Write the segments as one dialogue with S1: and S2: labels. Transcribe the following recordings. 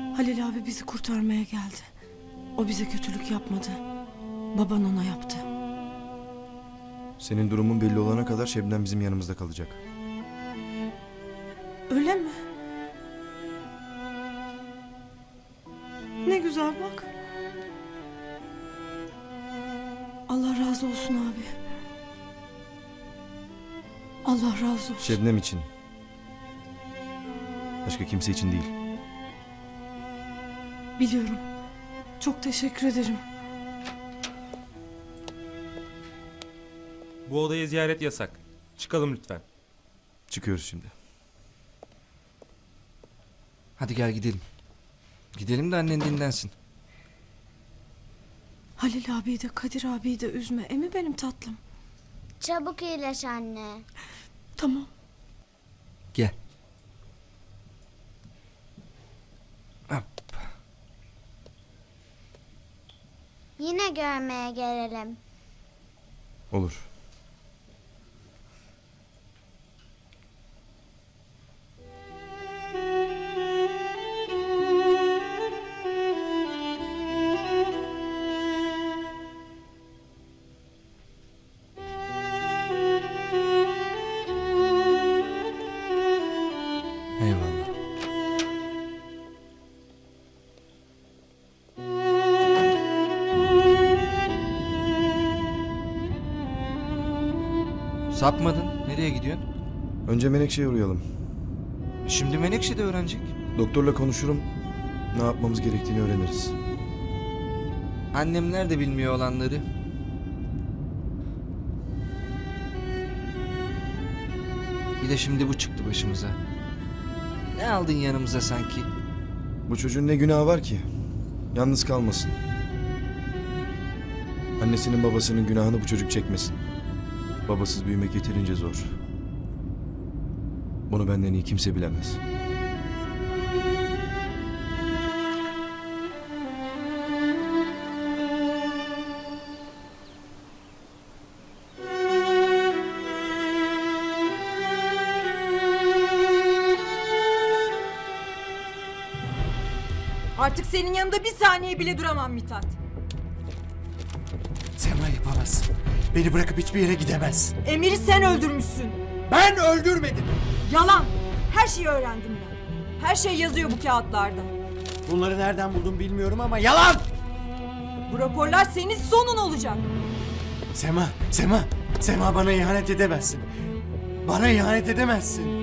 S1: Halil abi bizi kurtarmaya geldi. O bize kötülük yapmadı. Baban ona yaptı.
S2: Senin durumun belli olana kadar Şebnem bizim yanımızda kalacak.
S1: Öyle mi? Ne güzel bak. Allah razı olsun abi. Allah razı olsun.
S2: Şebnem için. Başka kimse için değil.
S1: Biliyorum. Çok teşekkür ederim.
S3: Bu odaya ziyaret yasak. Çıkalım lütfen.
S2: Çıkıyoruz şimdi.
S4: Hadi gel gidelim. Gidelim de annen dinlensin.
S1: Halil abiyi de Kadir abiyi de üzme. Emi benim tatlım.
S5: Çabuk iyileş anne.
S1: Tamam.
S4: Gel. Hop.
S5: Yine görmeye gelelim.
S2: Olur.
S4: Eyvallah. Sapmadın. Nereye gidiyorsun?
S2: Önce Menekşe'ye uğrayalım.
S4: Şimdi Menekşe de öğrenecek.
S2: Doktorla konuşurum. Ne yapmamız gerektiğini öğreniriz.
S4: Annemler de bilmiyor olanları. Bir de şimdi bu çıktı başımıza. Ne aldın yanımıza sanki?
S2: Bu çocuğun ne günahı var ki? Yalnız kalmasın. Annesinin babasının günahını bu çocuk çekmesin. Babasız büyümek yeterince zor. Bunu benden iyi kimse bilemez.
S6: Artık senin yanında bir saniye bile duramam Mithat.
S7: Sema yapamazsın. Beni bırakıp hiçbir yere gidemez.
S6: Emir'i sen öldürmüşsün.
S7: Ben öldürmedim.
S6: Yalan. Her şeyi öğrendim ben. Her şey yazıyor bu kağıtlarda.
S7: Bunları nereden buldum bilmiyorum ama yalan!
S6: Bu raporlar senin sonun olacak.
S7: Sema bana ihanet edemezsin. Bana ihanet edemezsin.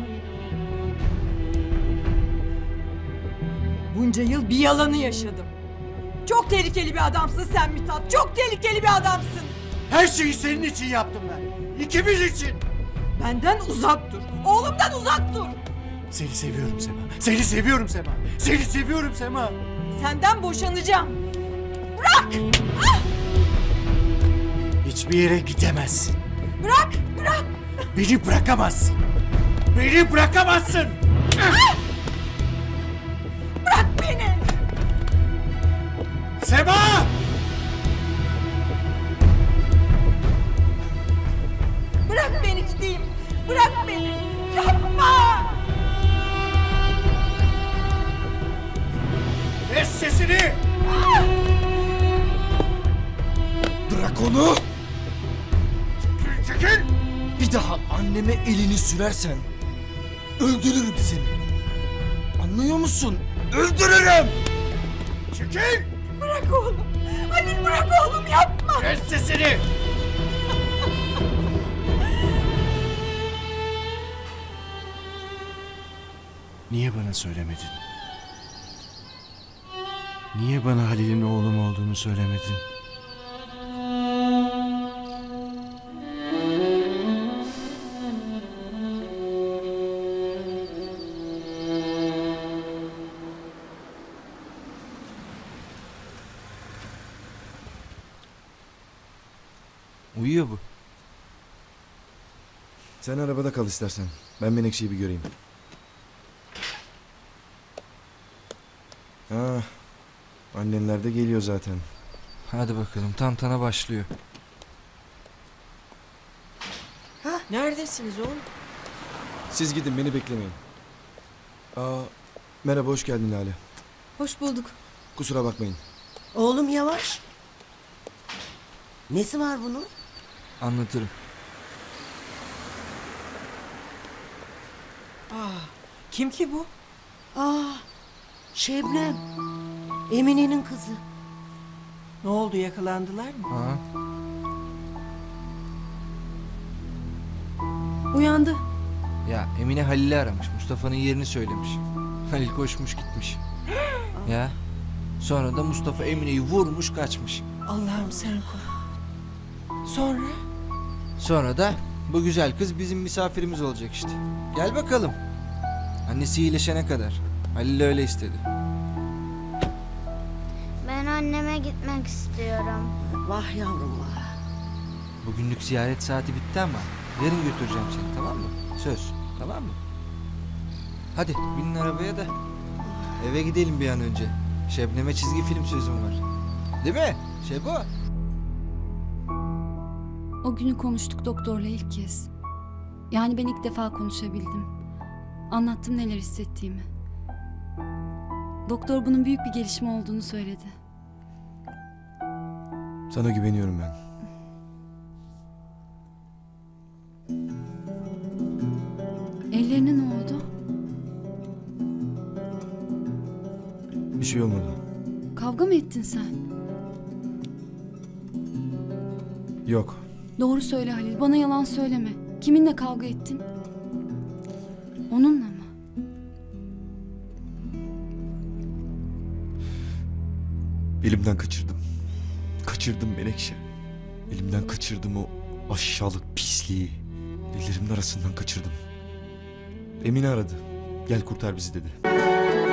S6: Bunca yıl bir yalanı yaşadım. Çok tehlikeli bir adamsın sen Mithat. Çok tehlikeli bir adamsın.
S7: Her şeyi senin için yaptım ben. İkimiz için.
S6: Benden uzak dur. Oğlumdan uzak dur.
S7: Seni seviyorum Sema. Seni seviyorum Sema. Seni seviyorum Sema.
S6: Senden boşanacağım.
S7: Hiçbir yere gidemezsin.
S6: Bırak.
S7: Beni bırakamazsın. Beni bırakamazsın.
S6: Bırak beni.
S7: Sema!
S6: Bırak beni gideyim. Bırak beni. Yapma.
S7: Kes sesini!
S2: Bırak onu!
S7: Çekil!
S2: Bir daha anneme elini sürersen öldürürüm seni. Anlıyor musun? Öldürürüm!
S7: Çekil!
S6: Bırak oğlum. Halil bırak oğlum yapma.
S7: Kes sesini! Niye bana söylemedin? Niye bana Halil'in oğlum olduğunu söylemedin?
S4: Uyuyor bu.
S2: Sen arabada kal istersen. Ben Menekşe'yi bir göreyim. Ha, annenler de geliyor zaten.
S4: Hadi bakalım tantana başlıyor.
S6: Neredesiniz oğlum?
S2: Siz gidin, beni beklemeyin. Merhaba, hoş geldin Lale.
S8: Hoş bulduk.
S2: Kusura bakmayın.
S9: Oğlum yavaş. Nesi var bunun?
S4: Anlatırım.
S6: Kim ki bu?
S9: Şebnem. Emine'nin kızı.
S6: Ne oldu, yakalandılar mı?
S4: Ha?
S8: Uyandı.
S4: Ya Emine Halil'i aramış. Mustafa'nın yerini söylemiş. Halil koşmuş gitmiş. Ya. Sonra da Mustafa Emine'yi vurmuş kaçmış.
S6: Allah'ım sen koru. Sonra?
S4: Sonra da bu güzel kız bizim misafirimiz olacak işte. Gel bakalım. Annesi iyileşene kadar. Halil öyle istedi.
S5: Ben anneme gitmek istiyorum.
S9: Vah yavrum vah.
S4: Bugünlük ziyaret saati bitti ama yarın götüreceğim seni, tamam mı? Söz, tamam mı? Hadi binin arabaya da eve gidelim bir an önce. Şebnem'e çizgi film sözüm var. Değil mi Şebo?
S8: O günü konuştuk doktorla ilk kez. Yani ben ilk defa konuşabildim. Anlattım neler hissettiğimi. Doktor bunun büyük bir gelişme olduğunu söyledi.
S2: Sana güveniyorum ben.
S8: Ellerine ne oldu?
S2: Bir şey olmadı.
S8: Kavga mı ettin sen?
S2: Yok.
S8: Doğru söyle Halil, bana yalan söyleme. Kiminle kavga ettin? Onunla mı?
S2: Elimden kaçırdım. Kaçırdım Menekşe. Elimden kaçırdım o aşağılık pisliği. Ellerimin arasından kaçırdım. Emine aradı. Gel kurtar bizi dedi.